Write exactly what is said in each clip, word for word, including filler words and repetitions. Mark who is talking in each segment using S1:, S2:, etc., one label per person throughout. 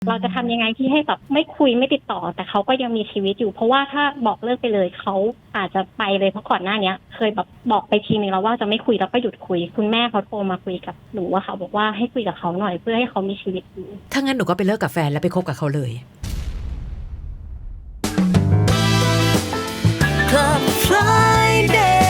S1: เราจะทำยังไงที่ให้แบบไม่คุยไม่ติดต่อแต่เขาก็ยังมีชีวิตอยู่เพราะว่าถ้าบอกเลิกไปเลยเขาอาจจะไปเลยเพราะก่อนหน้านี้เคยแบบบอกไปทีนึงแล้วว่าจะไม่คุยแล้วก็หยุดคุยคุณแม่เขาโทรมาคุยกับหนูว่าเขาบอกว่าให้คุยกับเขาหน่อยเพื่อให้เขามีชีวิตอยู่
S2: ถ้างั้นหนูก็ไปเลิกกับแฟนแล้วไปคบกับเขาเลย
S3: Club Friday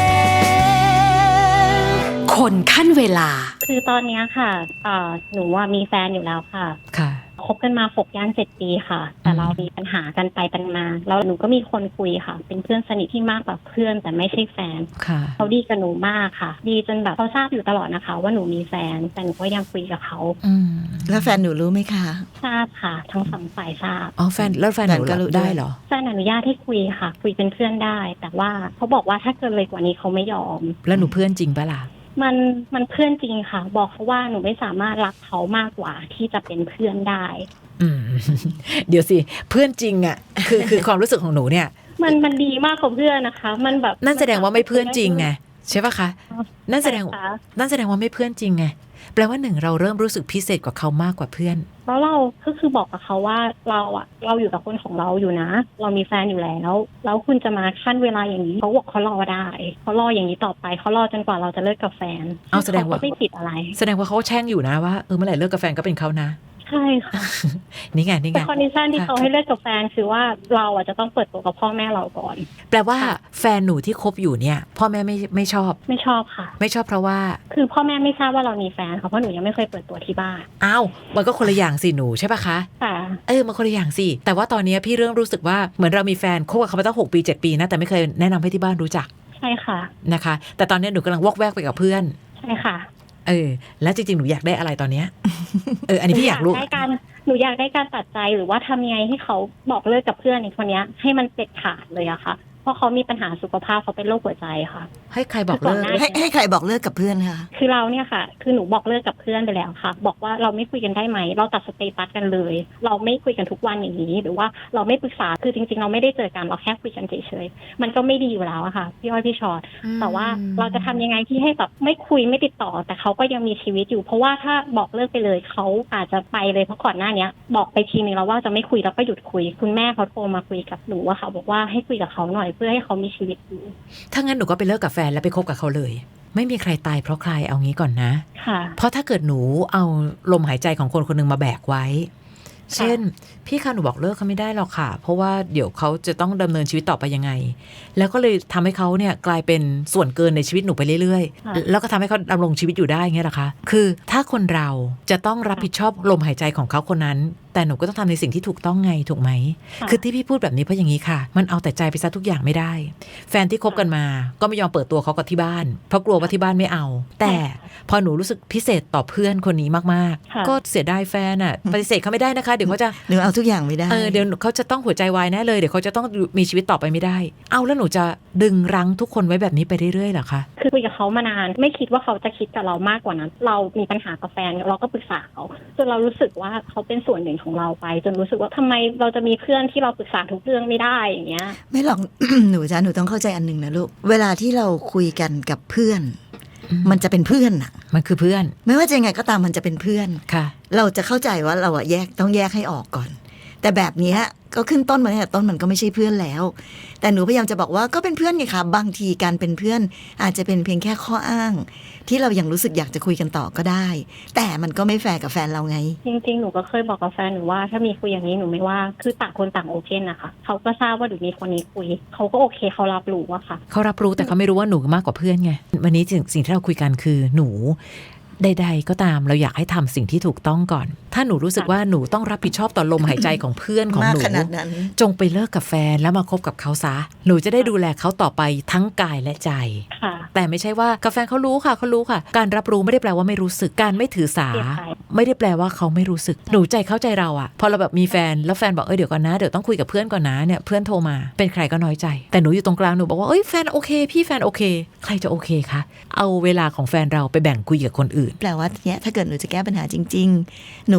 S2: คนขั้นเวลา
S1: คือตอนนี้ค่ะหนูว่ามีแฟนอยู่แล้วค่ะ
S2: ค่ะ
S1: คบกันมาหกย่างเจ็ดปีค่ะแต่เรามีปัญหากันไปกันมาแล้วหนูก็มีคนคุยค่ะเป็นเพื่อนสนิทที่มากกว่าเพื่อนแต่ไม่ใช่แฟนเขาดีกับหนูมากค่ะดีจนแบบเขาทราบอยู่ตลอดนะคะว่าหนูมีแฟนแต่หนูก็ยังคุยกับเขา
S3: แล้วแฟนหนูรู้ไหมคะ
S1: ทราบค่ะทั้งสองฝ่ายทราบ
S2: อ๋อแฟนแล้วแฟนหนูรู้ได้เหรอ
S1: แฟนอนุญาตให้คุยค่ะคุยเป็นเพื่อนได้แต่ว่าเขาบอกว่าถ้าเกินเลยกว่านี้เขาไม่ยอม
S2: แล้วหนูเพื่อนจริงปะล่ะ
S1: มันมันเพื่อนจริงค่ะบอกเขาว่าหนูไม่สามารถรักเขามากกว่าที่จะเป็นเพื่อนได้
S2: อืมเดี๋ยวสิเพื่อนจริงอ่ะคือคือความรู้สึกของหนูเนี่ย
S1: มันมันดีมากกว่าเพื่อนนะคะมันแบบ
S2: นั่นแสดงว่าไม่เพื่อนจริงไงใช่ปะคะนั่นแสดงนั่นแสดงว่าไม่เพื่อนจริงไงแปลว่าหนึ่งเราเริ่มรู้สึกพิเศษกว่าเขามากกว่าเพื่อน
S1: แล้วเราก็คือบอกกับเขาว่าเราอะเราอยู่กับคนของเราอยู่นะเรามีแฟนอยู่แล้วแล้วคุณจะมาขั้นเวลาอย่างนี้เขาบอกเขารอได้เขารออย่างนี้ต่อไปเขารอจนกว่าเราจะเลิกกับแฟน
S2: เอาแสดงว่า
S1: ไม่ผิดอะไร
S2: แสดงว่าเขาแช่งอยู่นะว่าเออเมื่อไหร่เลิกกับแฟนก็เป็นเขานะ
S1: ใช่ค่ะ
S2: นี่ไงนี่ไง
S1: แต่คอนดิชันที่เขาให้เลิกกับแฟนคือว่าเราอ่ะจะต้องเปิดตัวกับพ่อแม่เราก่อน
S2: แปลว่าแฟนหนูที่คบอยู่เนี่ยพ่อแม่ไม่ไม่ชอบ
S1: ไม่ชอบค่ะ
S2: ไม่ชอบเพราะว่า
S1: คือพ่อแม่ไม่ทราบว่าเรามีแฟนค่ะเพราะหนูยังไม่เคยเปิดตัวที่บ้าน
S2: อ้าวมันก็คนละอย่างสิหนูใช่ปะคะ
S1: ค่ะ
S2: เออมันคนละอย่างสิแต่ว่าตอนนี้พี่เริ่มรู้สึกว่าเหมือนเรามีแฟนคบกับเขามาตั้งหกปีเจ็ดปีนะแต่ไม่เคยแนะนำให้ที่บ้านรู้จัก
S1: ใช่ค่ะ
S2: นะคะแต่ตอนนี้หนูกำลังวอกแวกไปกับเพื่อน
S1: ใช่ค่ะ
S2: เออแล้วจริงๆหนูอยากได้อะไรตอนเนี้ยเอออันนี้พี่อยากรู้
S1: หนูอยากได้การตัดใจหรือว่าทำยังไงให้เขาบอกเลิกกับเพื่อนอีกคนนี้ให้มันเด็ดขาดเลยอะค่ะเพราะเขามีปัญหาสุขภาพเขาเป็นโรคหัวใจค่ะ
S2: ให้ใครบอกเลิก
S3: ให้ให้ใครบอกเลิกกับเพื่อนคะ
S1: คือเราเนี่ยค่ะคือหนูบอกเลิกกับเพื่อนไปแล้วค่ะบอกว่าเราไม่คุยกันได้ไหมเราตัดสเตตัสกันเลยเราไม่คุยกันทุกวันอย่างนี้หรือว่าเราไม่ปรึกษาคือจริงๆเราไม่ได้เจอกันเราแค่คุยกันเฉยๆมันก็ไม่ดีอยู่แล้วอะค่ะพี่อ้อยพี่ชอตแต่ว่าเราจะทำยังไงที่ให้แบบไม่คุยไม่ติดต่อแต่เขาก็ยังมีชีวิตอยู่เพราะว่าถ้าบอกเลิกไปเลยเขาอาจจะไปเลยเพราะก่อนหน้านี้บอกไปทีนึงแล้วว่าจะไม่คุยแล้วก็หยุดคุยคุณแม่เขาโทรมาคุยกับหนูว่าเขาบอกว่าให้คุยกับเขาหน่อยเพื่อให้เขามีชีวิตอยู่
S2: ถ้างั้นหนูก็ไปเลิกกับแฟนแล้วไปคบกับเขาเลยไม่มีใครตายเพราะใครเอางี้ก่อนนะเพราะถ้าเกิดหนูเอาลมหายใจของคนคนนึงมาแบกไว้เช่นพี่คะหนูบอกเลิกเขาไม่ได้หรอกค่ะเพราะว่าเดี๋ยวเขาจะต้องดำเนินชีวิตต่อไปยังไงแล้วก็เลยทำให้เขาเนี่ยกลายเป็นส่วนเกินในชีวิตหนูไปเรื่อยๆแล้วก็ทำให้เขาดำรงชีวิตอยู่ได้เงี้ยหรอคะคือถ้าคนเราจะต้องรับผิดชอบลมหายใจของเขาคนนั้นแต่หนูก็ต้องทำในสิ่งที่ถูกต้องไงถูกไหมคือที่พี่พูดแบบนี้เพราะอย่างนี้ค่ะมันเอาแต่ใจไปซะทุกอย่างไม่ได้แฟนที่คบกันมาก็ไม่ยอมเปิดตัวเขากับที่บ้านเพราะกลัวว่าที่บ้านไม่เอาแต่พอหนูรู้สึกพิเศษต่อเพื่อนคนนี้มากๆก็เสียดายแฟนอ่ะปฏิเสธเขาไม่ได้นะคะเดี๋ยวเขาจะ
S3: หนูเอาทุกอย่างไม่ได้
S2: เออเดี๋ยวเขาจะต้องหัวใจวายแน่เลยเดี๋ยวเขาจะต้องมีชีวิตต่อไปไม่ได้เอาแล้วหนูจะดึงรั้งทุกคนไว้แบบนี้ไปเรื่อยๆเหรอคะ
S1: คือคุยกับเขามานานไม่คิดว่าเขาจะคิดกับเรามากกว่านั้นเรามีปัญหากับแฟนเราก็ปรึกษาเขาจนเรารู้สึกว่าเขาเป็นส่วนหนึ่งของเราไปจนรู้สึกว่าทำไมเราจะมีเพื่อนที่เราปรึกษาทุกเรื่องไม่ได้อย่างเงี้ย
S3: ไม่หรอก หนูจ้ะหนูต้องเข้าใจอันนึงนะลูกเวลาที่เราคุยกันกับเพื่อนมันจะเป็นเพื่อนน่ะ
S2: มันคือเพื่อน
S3: ไม่ว่าจะยังไงก็ตามมันจะเป็นเพื่อน
S2: ค่ะ
S3: เราจะเข้าใจว่าเราอะแยกต้องแยกให้ออกก่อนแต่แบบนี้ก็ขึ้นต้นมาตั้งแต่ต้นมันก็ไม่ใช่เพื่อนแล้วแต่หนูพยายามจะบอกว่าก็เป็นเพื่อนไงคะบางทีการเป็นเพื่อนอาจจะเป็นเพียงแค่ข้ออ้างที่เรายังรู้สึกอยากจะคุยกันต่อก็ได้แต่มันก็ไม่แฟร์กับแฟนเราไง
S1: จริงๆหนูก็เคยบอกกับแฟนหนูว่าถ้ามีคุยอย่างนี้หนูไม่ว่าคือต่างคนต่างโอเคนะคะเขาก็ทราบว่าหนูมีคนนี้คุยเขาก็โอเคเขารับรู้อะค่ะ
S2: เขารับรู้แต่เขาไม่รู้ว่าหนูมากกว่าเพื่อนไงวันนี้สิ่งที่เราคุยกันคือหนูใดๆก็ตามเราอยากให้ทำสิ่งที่ถูกต้องก่อนถ้าหนูรู้สึกว่าหนูต้องรับผิดชอบต่อลมหายใจของเพื่อนของหนูจงไปเลิกกับแฟนแล้วมาคบกับเขาซะหนูจะได้ดูแลเขาต่อไปทั้งกายและใจแต่ไม่ใช่ว่ากับแฟนเขารู้ค่ะเขารู้ค่ะการรับรู้ไม่ได้แปลว่าไม่รู้สึกการไม่ถือสาไม่ได้แปลว่าเขาไม่รู้สึกหนูใจเข้าใจเราอะพอเราแบบมีแฟนแล้วแฟนบอกเออเดี๋ยวก่อนนะเดี๋ยวต้องคุยกับเพื่อนก่อนนะเนี่ยเพื่อนโทรมาเป็นใครก็น้อยใจแต่หนูอยู่ตรงกลางหนูบอกว่าเอ้ยแฟนโอเคพี่แฟนโอเคใครจะโอเคคะเอาเวลาของแฟนเราไปแบ่งคุยกับคนอื่น
S3: แปลว่าเนี้ยถ้าเกิดหนูจะแก้ปัญหาจริงๆหนู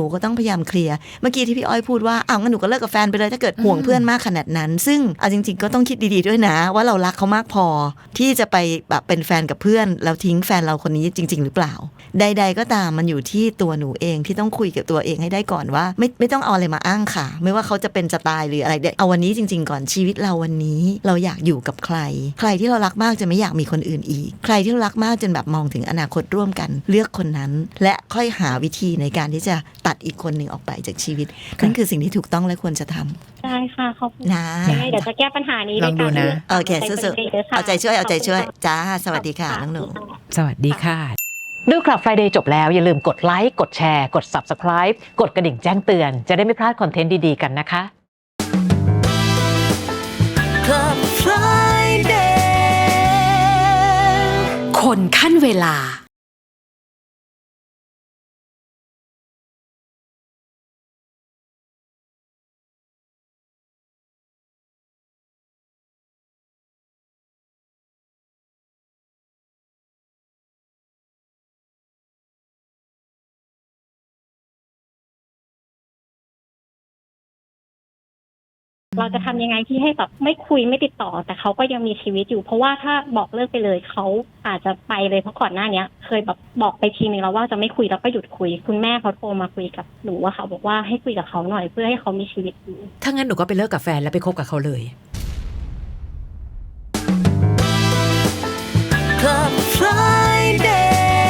S3: นูก็ต้องพยายามเคลียร์เมื่อกี้ที่พี่อ้อยพูดว่าอ้าวงั้นหนูก็เลิกกับแฟนไปเลยถ้าเกิดห่วงเพื่อนมากขนาดนั้นซึ่งเอาจริงๆก็ต้องคิดดีๆด้วยนะว่าเรารักเขามากพอที่จะไปแบบเป็นแฟนกับเพื่อนแล้วทิ้งแฟนเราคนนี้จริงๆหรือเปล่าใดๆก็ตามมันอยู่ที่ตัวหนูเองที่ต้องคุยกับตัวเองให้ได้ก่อนว่าไม่ไม่ต้องเอาอะไรมาอ้างค่ะไม่ว่าเขาจะเป็นจะตายหรืออะไรเอาวันนี้จริงๆก่อนชีวิตเราวันนี้เราอยากอยู่กับใครใครที่เรารักมากจะไม่อยากมีคนอื่นอีกใครที่เรารักมากจนแบบมองถึงอนาคตร่วมกันเลือกคนนั้นและค่อยหาวิธีในการที่จะตัดอีกคนหนึ่งออกไปจากชีวิตนั่นคือสิ่งที่ถูกต้องและควรจะทำ
S1: ใช่ค่ะขอบคุณ
S3: นะ
S1: เดี๋ยวจะแก้ปัญหานี้
S2: ลองดูนะ
S3: โอเคสู้ๆเอาใจช่วยเอาใจช่วยจ้าสวัสดีค่ะน้องหนู
S2: สวัสดีค่ะ
S4: ดูคลับ Friday จบแล้วอย่าลืมกดไลค์กดแชร์กด Subscribe กดกระดิ่งแจ้งเตือนจะได้ไม่พลาดคอนเทนต์ดีๆกันนะคะ
S3: Club Friday
S5: คนขั้นเวลา
S1: เราจะทำยังไงที่ให้แบบไม่คุยไม่ติดต่อแต่เขาก็ยังมีชีวิตอยู่เพราะว่าถ้าบอกเลิกไปเลยเขาอาจจะไปเลยเพราะก่อนหน้านี้เคยแบบบอกไปทีนึงแล้วว่าจะไม่คุยแล้วก็หยุดคุยคุณแม่เขาโทรมาคุยกับหนูว่าเขาบอกว่าให้คุยกับเขาหน่อยเพื่อให้เขามีชีวิตอยู่
S2: ถ้างั้นหนูก็ไปเลิกกับแฟนแล้วไปคบกับเขาเลย
S3: Club Friday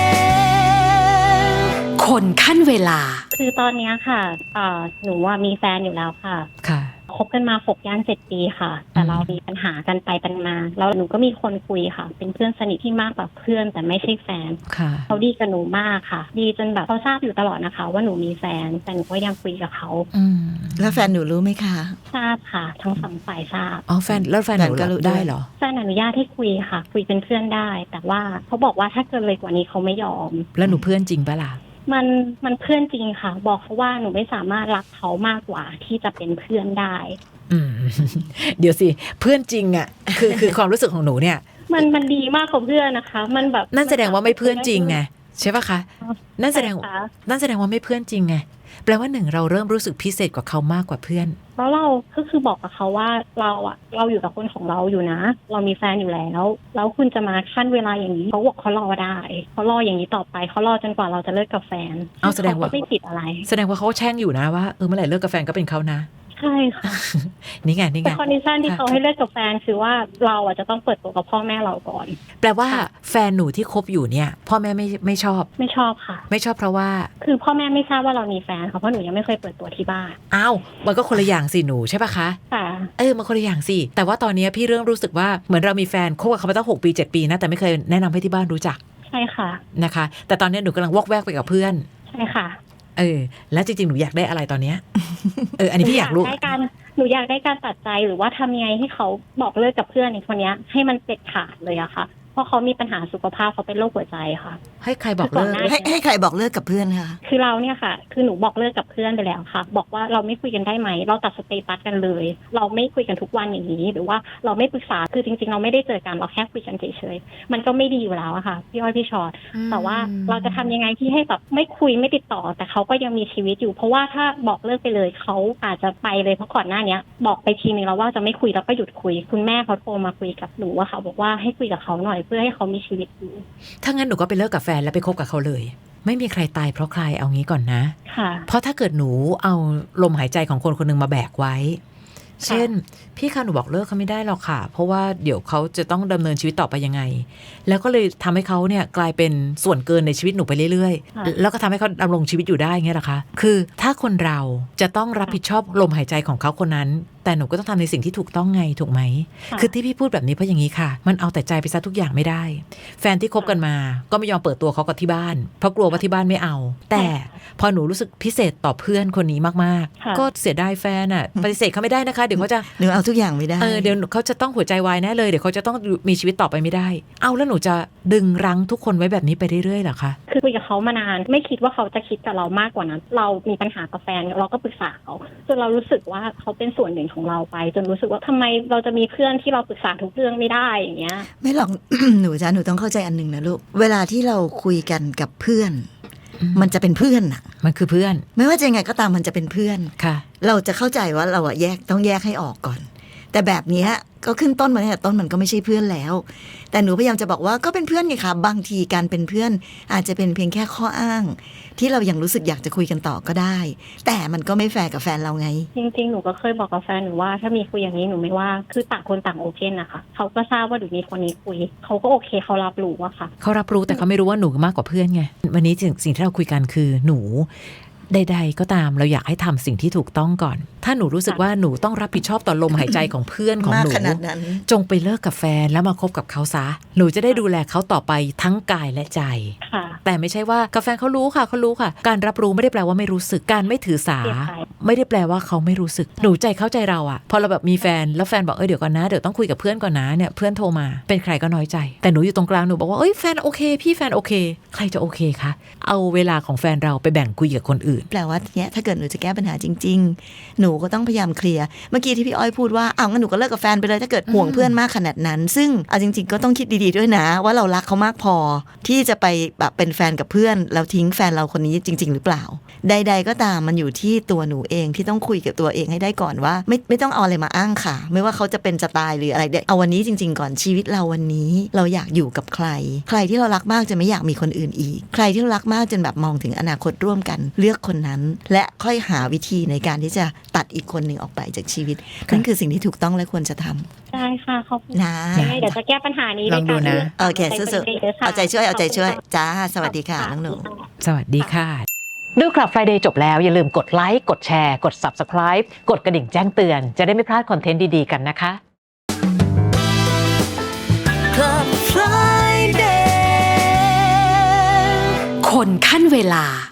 S5: คนขั้นเวลา
S1: คือตอนนี้ค่ะหนูว่ามีแฟนอยู่แล้วค่ะ
S2: ค่ะ
S1: คบกันมาหกย่างเจ็ดปีค่ะแต่เรามีปัญหากันไปกันมาแล้วหนูก็มีคนคุยค่ะเป็นเพื่อนสนิทที่มากกว่าเพื่อนแต่ไม่ใช่แฟนเขาดีกับหนูมากค่ะดีจนแบบเขาทราบอยู่ตลอดนะคะว่าหนูมีแฟนแต่หนูก็ยังคุยกับเขา
S3: แล้วแฟนหนูรู้ไหมคะ
S1: ทราบค่ะทั้งสองฝ่ายทราบ
S2: อ๋อแฟนแล้วแฟนหนูรู้ได้เหรอ
S1: แฟนอนุญาตให้คุยค่ะคุยเป็นเพื่อนได้แต่ว่าเขาบอกว่าถ้าเกินเลยกว่านี้เขาไม่ยอม
S2: แล้วหนูเพื่อนจริงปะล่ะ
S1: มันมันเพื่อนจริงค่ะบอกเขาว่าหนูไม่สามารถรักเขามากกว่าที่จะเป็นเพื่อนได้
S2: อืมเดี๋ยวสิเพื่อนจริงอ่ะคือคือความรู้สึกของหนูเนี่ย
S1: มันมันดีมากกว่าเพื่อนนะคะมันแบบ
S2: นั่นแสดงว่าไม่เพื่อนจริงไงใช่ปะคะนั่นแสดงนั่นแสดงว่าไม่เพื่อนจริงไงแปลว่าหนึ่งเราเริ่มรู้สึกพิเศษกว่าเขามากกว่าเพื่อน
S1: แล้วเราก็คือบอกกับเขาว่าเราอะเราอยู่กับคนของเราอยู่นะเรามีแฟนอยู่แล้วแล้วคุณจะมาขั้นเวลาอย่างนี้เขาบอกเขารอได้เขารออย่างนี้ต่อไปเขารอจนกว่าเราจะเลิกกับแฟน
S2: เอาแสดงว่า
S1: ไม่ผิดอะไร
S2: แสดงว่าเขาแช่งอยู่นะว่าเออเมื่อไหร่เลิกกับแฟนก็เป็นเขานะ
S1: ใช่ค่ะ
S2: นี่ไงนี่ไง
S1: แต่คอนดิชันที่เขาให้เลิกกับแฟนคือว่าเราอ่ะจะต้องเปิดตัวกับพ่อแม่เราก่อน
S2: แปลว่าแฟนหนูที่คบอยู่เนี่ยพ่อแม่ไม่ไม่ชอบ
S1: ไม่ชอบค่ะ
S2: ไม่ชอบเพราะว่า
S1: คือพ่อแม่ไม่ทราบว่าเรามีแฟนค่ะเพราะหนูยังไม่เคยเปิดตัวที่บ้าน
S2: อ้าวมันก็คนละอย่างสิหนูใช่ปะคะ
S1: ค่ะ
S2: เออมันคนละอย่างสิแต่ว่าตอนนี้พี่เริ่มรู้สึกว่าเหมือนเรามีแฟนคบกับเขามาตั้งหกปีเจ็ดปีนะแต่ไม่เคยแนะนำให้ที่บ้านรู้จัก
S1: ใช่ค่ะ
S2: นะคะแต่ตอนนี้หนูกำลังวอกแวกไปกับเพื่อน
S1: ใช่ค่ะ
S2: เออแล้วจริงๆหนูอยากได้อะไรตอนเนี้ยเอออันนี้พี่อยากรู้
S1: หนูอยากได้การตัดใจหรือว่าทำยังไงให้เขาบอกเลิกกับเพื่อนอีกคนนี้ให้มันเด็ดขาดเลยอะค่ะเพราะเขามีปัญหาสุขภาพเขาเป็นโรคหัวใจค่ะ
S2: ให้ใครบอกเลิก
S3: ให้ให้ใครบอกเลิกกับเพื่อนคะ
S1: คือเราเนี่ยค่ะคือหนูบอกเลิกกับเพื่อนไปแล้วค่ะบอกว่าเราไม่คุยกันได้ไหมเราตัดสเตตัสกันเลยเราไม่คุยกันทุกวันอย่างนี้หรือว่าเราไม่ปรึกษาคือจริงๆเราไม่ได้เจอกันเราแค่คุยกันเฉยๆมันก็ไม่ดีอยู่แล้วอะค่ะพี่อ้อยพี่ชอตแต่ว่าเราจะทำยังไงที่ให้แบบไม่คุยไม่ติดต่อแต่เขาก็ยังมีชีวิตอยู่เพราะว่าถ้าบอกเลิกไปเลยเขาอาจจะไปเลยเพราะก่อนหน้านี้บอกไปทีนึงแล้วว่าจะไม่คุยแล้วก็หยุดคุยคุณแม่เขาโทรมาคุยกับหนูว่าเขาบอกว่าให้คุยกับเขาหน่อยเพื่อให้เขามีชีวิตอยู่
S2: ถ้างั้นหนูก็ไปเลิกกับแฟนแล้วไปคบกับเขาเลยไม่มีใครตายเพราะใครเอางี้ก่อนนะ
S1: ค่ะ
S2: เพราะถ้าเกิดหนูเอาลมหายใจของคนคนนึงมาแบกไว้เช่นพี่คะหนูบอกเลิกเขาไม่ได้หรอกค่ะเพราะว่าเดี๋ยวเขาจะต้องดำเนินชีวิตต่อไปยังไงแล้วก็เลยทำให้เขาเนี่ยกลายเป็นส่วนเกินในชีวิตหนูไปเรื่อยๆแล้วก็ทำให้เขาดำรงชีวิตอยู่ได้เงี้ยหรอคะคือถ้าคนเราจะต้องรับผิดชอบลมหายใจของเขาคนนั้นแต่หนูก็ต้องทำในสิ่งที่ถูกต้องไงถูกไหมคือที่พี่พูดแบบนี้เพราะอย่างนี้ค่ะมันเอาแต่ใจไปซะทุกอย่างไม่ได้แฟนที่คบกันมาก็ไม่ยอมเปิดตัวเขากับที่บ้านเพราะกลัวว่าที่บ้านไม่เอาแต่พอหนูรู้สึกพิเศษต่อเพื่อนคนนี้มากๆก็เสียดายแฟนอ่ะปฏิเสธเขาไม่ได้นะคะเดี๋ยวเขาจะ
S3: หนูเอาทุกอย่างไม่ได้
S2: เออเดี๋ยวเขาจะต้องหัวใจวายแน่เลยเดี๋ยวเขาจะต้องมีชีวิตต่อไปไม่ได้เอาแล้วหนูจะดึงรั้งทุกคนไว้แบบนี้ไปเรื่อยๆเหรอคะ
S1: คือคุยกับเขามานานไม่คิดว่าเขาจะคิดกับเรามากกว่านั้นเรามีปัญหากับแฟนเราก็ปรึกษาเขาจนเรารู้สึกว่าเขาเป็นส่วนหนึ่งของเราไปจนรู้สึกว่าทำไมเราจะมีเพื่อนที่เราปรึกษาทุกเรื่องไม่ได้อย่างเงี้ย
S3: ไม่หรอก หนูจ้าหนูต้องเข้าใจอันนึงนะลูกเวลาที่เราคุยกันกับเพื่อนมันจะเป็นเพื่อนอะ
S2: มันคือเพื่อน
S3: ไม่ว่าจะยังไงก็ตามมันจะเป็นเพื่อน
S2: ค่ะ
S3: เราจะเข้าใจว่าเราอะแยกต้องแยกให้ออกก่อน แต่แบบเนี้ยก็ขึ้นต้นมาตั้งแต่ต้นมันก็ไม่ใช่เพื่อนแล้ว แต่หนูพยายามจะบอกว่าก็เป็นเพื่อนไงคะบางทีการเป็นเพื่อนอาจจะเป็นเพียงแค่ข้ออ้าง ที่เรายังรู้สึกอยากจะคุยกันต่อก็ได้ แต่มันก็ไม่แฟร์กับแฟนเราไง
S1: จริงๆหนูก็เคยบอกกับแฟนหนูว่าถ้ามีคุยอย่างนี้หนูไม่ว่าคือต่างคนต่างโอเพนนะคะเขาก็ทราบว่าหนูมีคนนี้คุยเขาก็โอเคเขารับรู้อะค่ะ
S2: เขารับรู้แต่เขาไม่รู้ว่าหนูมากกว่าเพื่อนไงวันนี้สิ่งสิ่งที่เราคุยกันคือหนูใดๆก็ตามเราอยากให้ทำสิ่งที่ถูกต้องก่อน ถ้าหนูรู้สึกว่าหนูต้องรับผิดชอบต่อลมหายใจของเพื่อนของ
S3: มาก
S2: หนู
S3: ขนาดนั้น
S2: จงไปเลิกกับแฟนแล้วมาคบกับเขาซะหนูจะได้ดูแลเขาต่อไปทั้งกายและใจ
S1: ค่ะ
S2: แต่ไม่ใช่ว่ากับแฟนเขารู้ค่ะเขารู้ค่ะ การรับรู้ไม่ได้แปลว่าไม่รู้สึกการไม่ถือสา
S1: เสียใจ
S2: ไม่ได้แปลว่าเขาไม่รู้สึกหนูใจเข้าใจเราอะพอเราแบบมีแฟนแล้วแฟนบอกเออเดี๋ยวก่อนนะเดี๋ยวต้องคุยกับเพื่อนก่อนนะเนี่ยเพื่อนโทรมาเป็นใครก็น้อยใจแต่หนูอยู่ตรงกลางหนูบอกว่าเอ้ยแฟนโอเคพี่แฟนโอเคใครจะโอเคคะเอาเวลาของแฟนเราไปแบ่งคุยกับคนอื่น
S3: แปลว่าเนี้ยถ้าเกิดหนูจะแก้ปัญหาจริงๆ หนูก็ต้องพยายามเคลียร์เมื่อกี้ที่พี่อ้อยพูดว่าอ้าวงั้นหนูก็เลิกกับแฟนไปเลยถ้าเกิดห่วงเพื่อนมากขนาดนั้น ซึ่งเอาจริงๆก็ต้องคิดดีๆด้วยนะ ว่าเรารักเขามากพอที่จะไปแบบเป็นแฟนกับเพื่อนแล้วทิ้งแฟนเราคนนี้จริง ๆ หรือเปล่า ใด ๆ ก็ตามมันอยู่ที่ตัวหนูเองที่ต้องคุยกับตัวเองให้ได้ก่อนว่าไม่ไม่ต้องเอาอะไรมาอ้างค่ะ ไม่ว่าเขาจะเป็นจะตายหรืออะไรเดี๋ยวเอาวันนี้จริง ๆ ก่อนชีวิตเราวันนี้เราอยากอยู่กับใคร ใครที่เรารักมากจะไม่อยากมีคนอื่นอีก ใครที่เรารักมากจนแบบมองถึงอนาคตร่วมกันเลือกคนนั้น และค่อยหาวิธีในการที่จะตัดอีกคนหนึ่งออกไปจากชีวิตนั่นคือสิ่งที่ถูกต้องและควรจะทำ
S1: ได้ค่ะขอบคุณ
S3: นะ
S1: ยังไงเดี๋ยวจะแก้ปัญหานี้
S2: ลองดูนะ
S3: โอเคสู้ๆเอาใจช่วยเอาใจช่วยจ้าสวัสดีค่ะน้องหนู
S2: สวัสดีค่ะ
S4: ดูคลับ Friday จบแล้วอย่าลืมกดไลค์กดแชร์กด Subscribe กดกระดิ่งแจ้งเตือนจะได้ไม่พลาดคอนเทนต์ดีๆกันนะคะ
S3: Club Friday
S5: คนขั้นเวลา